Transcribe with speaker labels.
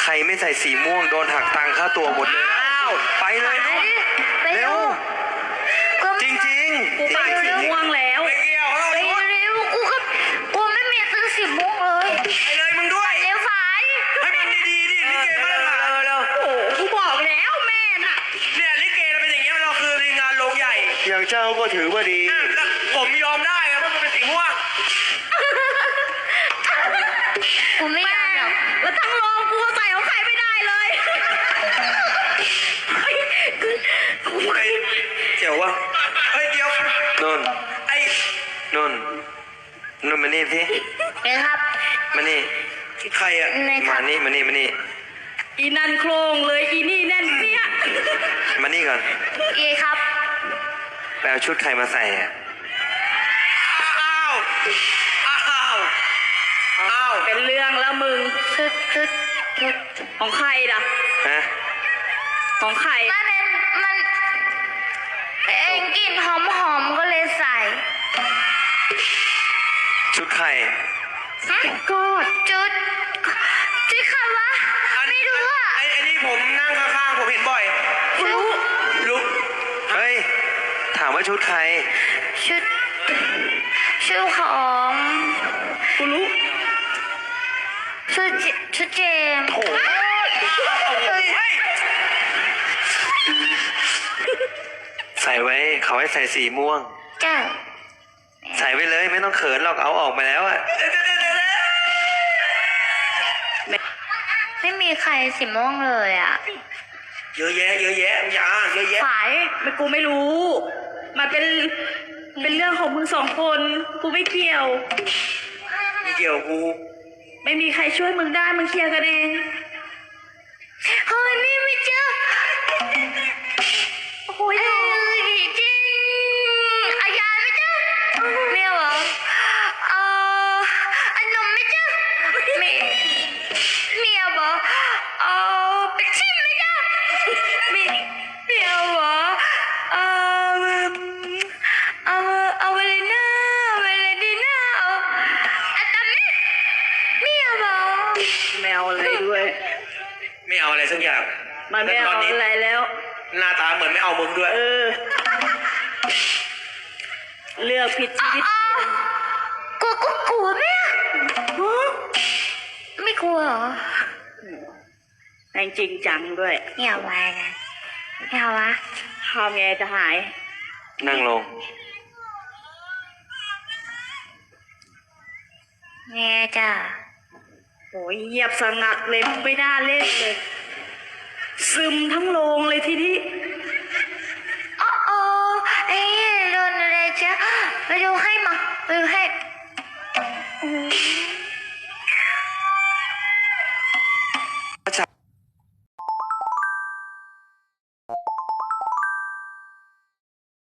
Speaker 1: ใครไม่ใส่สีม่วงโดนหักตังค่าตัวหมดเลยอ้าวไปเลยเนาะเร็วจริงๆ
Speaker 2: กูไปสีม่วงแล้ว
Speaker 1: ไม่เกี่ยว
Speaker 3: ไปเร็วกูไม่มีซื้อสีม่วงเลย
Speaker 1: ไปเลยมึงด้วย
Speaker 3: เร็วฝาย
Speaker 1: ให้มันดีๆดิลิเกมาเร็ว
Speaker 2: โอ้กูบอกแล้วแม่น่ะ
Speaker 1: เนี่ยลิเกเราเป็นอย่างเงี้ยเราคือในงานโรงใหญ่อย่างเจ้าก็ถือว่าดีผมยอมได้ครับว่ามันเป็นสีม่วง
Speaker 3: กูไม่ยอมหรอก
Speaker 2: แล้วทั้งโรงกูใส่ของใครไม่ได้เลย
Speaker 1: เจ๋ววะเฮ้ยเดี๋ยวนนไอ้นนมานี่สิ
Speaker 3: เอ้ครับ
Speaker 1: มานี่ใครอะมานี่
Speaker 2: อีนั่นโครงเลยอีนี่แน่นเปี้ย
Speaker 1: มานี่ก่อน
Speaker 3: เอ้ครับ
Speaker 1: ไปเอาชุดใครมาใส่อะอ้าว
Speaker 2: เป็นเรื่องแล้วมึง
Speaker 3: ชุด
Speaker 2: ของใครล่ะ
Speaker 1: ฮะ
Speaker 2: ของใคร
Speaker 3: มันเองกลิ่นหอมก็เลยใส่
Speaker 1: ชุดใคร
Speaker 3: ก็ชุดใครวะไม่รู้อ่ะ
Speaker 1: ไอ้นี่ผมนั่งข้างๆผมเห็นบ่อยรู้เฮ้ยถามว่าชุดใคร
Speaker 3: ชุดของ
Speaker 2: กูรู้
Speaker 3: ชุดเจม
Speaker 1: โอ้ใส่ไว้เขาให้ใส่สีม่วง
Speaker 3: จ้า
Speaker 1: ใส่ไปเลยไม่ต้องเขินหรอกเอาออกมาแล้วอะ
Speaker 3: ไม่มีใครสีม่วงเลยอ่ะ
Speaker 1: เยอะแยะอย่าเยอะแยะ
Speaker 2: ฝ่ายกูไม่รู้มันเป็นเรื่องของมึงสองคนกูไม่เกี่ยว
Speaker 1: กู
Speaker 2: ไม่มีใครช่วยมึงได้มึงเคลียร์กันเอง
Speaker 3: เฮ้ยไม่เจอ
Speaker 2: โอ้ย
Speaker 3: จริงอายาไม่เจอเมียวเหรออันนมไม่เจอเมียวบอกเป็นชิมไม่เจอเมียวบอกเอาเวลน่าอันนั้นเมียวบอก
Speaker 2: แมวอะไรด้วย
Speaker 1: ไม่เอาอะไรสักอย่าง
Speaker 2: มันไม่เอาอะไรแล้ว
Speaker 1: หน้าตาเหมือนไม่เอามึงด้วย
Speaker 2: เลือกผิดชีวิต
Speaker 3: กลัวไหมไม่กลัวเหรอ
Speaker 2: แรงจริงจังด้วย
Speaker 3: ไม่เอาไว้นะไม่เอาวะ
Speaker 2: ทำไงจะหาย
Speaker 1: นั่งลง
Speaker 3: แง่จ้ะ
Speaker 2: โอ้ยเงียบสงัดเลยไม่น่าเล่นเลยซึมทั้งโรงเลยทีนี้